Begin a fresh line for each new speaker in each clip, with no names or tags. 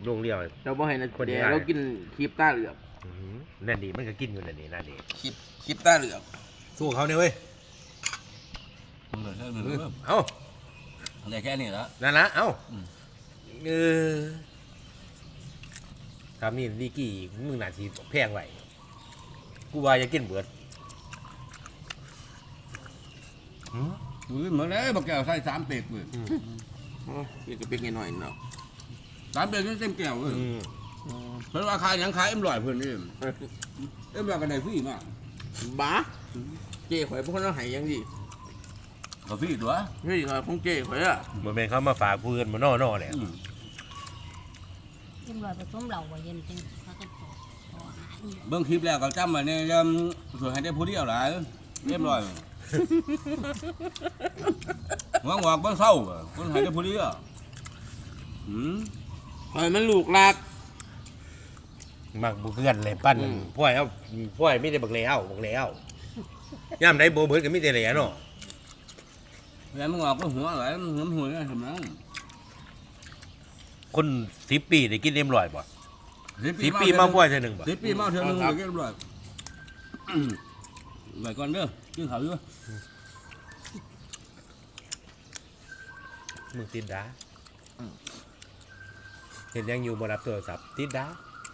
โรงเรียว
เราบ่ให้นะ
คนใหญ่
เดี๋ยวเรากินคลิปตาเหลือก
นั่นดีมันก็กินอยู่นั่นนี่นั่นดี
คลิปตาเหลือก
สู้เขาเนี่ยเว้ย
เหลือแค่นี้
เอ้า
เหลือแค่นี้แล้ว
นั่นละเอ้าเออทำนี่ดีกี่มึงหนาทีแพงไหวกูว่าจะกินเบิด
อุ้ยเหมือนเลยบักแก้วใส่3 เป็กเลย
กินกับเป็กหน่อยเนาะ
3 เป็กนี่เต็มแก้วเลยเพราะว่าขายยังขาย100เพิ่นนี่100กันได้ฟรีมาก
บ้าเจ๊ข่อยพวกคนเราหายยังดิ
ก็ฟรีตัว
เฮ้ยของเจ๊ข่อยอ่ะ
เหมือนเป็นเขามาฝากกูเงินมานอเลย
กินลอยผสมเหล่าบ่เย็นจริงเขาก็ขอหาอีก
เบิ่งคลิปแล้วก็จำไว้เนี่ยสวยให้ได้ผู้เดียวหลายเรียบร้อยหวังบ่เศร้าคนให้ได้ผู้เดียว
ข่อยมันลูกหลัก
มักบุเพื่อนเลยปั้นพ่อยเอาพ่อยไม่ได้บักแล้วย่ำไหนโบเบิร์ดก็ไม่ได้เลยเนาะ
แล้วมึงออกก็หัวหลายหัวหัวทำนั้น
คน10 ปีได้กินเอ็มลอยบ่10 ปีมาพ่อยเท่านึงบ่
10 ปีมาเท่านึงเรียบร้อยไว้ก่อนเด้อกินข้าวอยู่
มึงติดดาเห็นยังอยู่บนรับโทรศัพท์ติดดา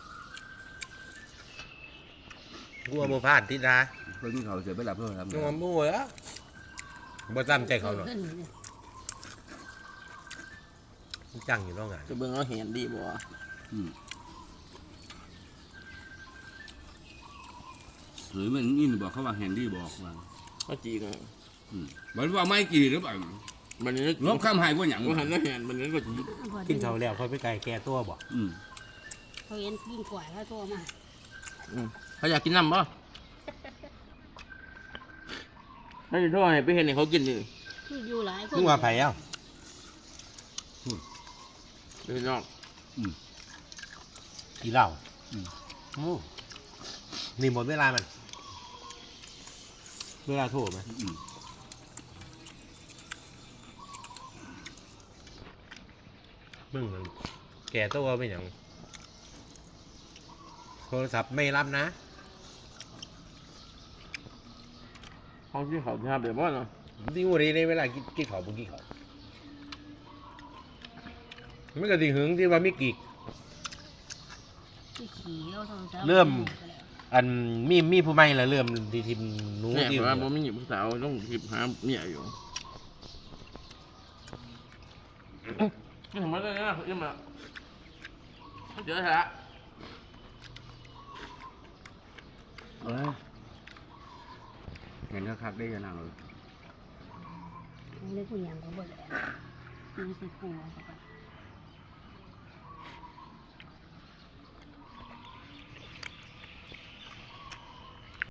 กูเอาโมพลาดติดดา
เพิ่นกินข้าวเสร็จไปหลับเพิ่นทำ
กูเอาโม่อะบ่จำใจเขาหน่อยจังอยู่นอกงาน
จะเบิ่งเราเห็นดีบ่
หรือมันอินบอกเขาว่าแฮนดี้บอกว่า
เขาจีกัน
มันว่าไม่กี่หรือเปล่า
มันนี่
ลบข้ามหายว่าหยัง
ก็หันแล้วเห็นมันนี่ก็จี
กินเขาแล้วค่อยไปไกลแก้ตัวบ่
เขาเย็นกินกว่าแล้วตัวมา
เขาอยากกินน้ำป่ะถ้าจะโทษให้ไปเห็นให้เขากินดิ
คืออยู่หลายคน
มึงว่าไผเอ้า
ไปนอก
กี่เหล้านี่หมดเวลามันเวลาโทรไหมมึงมันแก่ตัวเป็นอย่างโทรศัพท์ไม่รับนะ
เขาที่เขาทำแบบว่าเนาะ
ที่วันนี้ในเวลากินเขาบุกินเขาไม่กระดิ่งหึงที่ว่าไม่กีก
ที่ขี่เอาโทรศัพท์
เริ่ม อันมีผู้ใหม่ละเริ่มที่ทีมหนู
เนี่ย
ที่
เพราะว่าผมมีหญิงสาวต้องทิพหาเมียอยู่นี่ทำไมได้เนี่ยยังมาเจอแล้ว
เห็นคักได้ยังไง
เรื่องผู้หญิงเขาบ่ได้มีสิกูสัก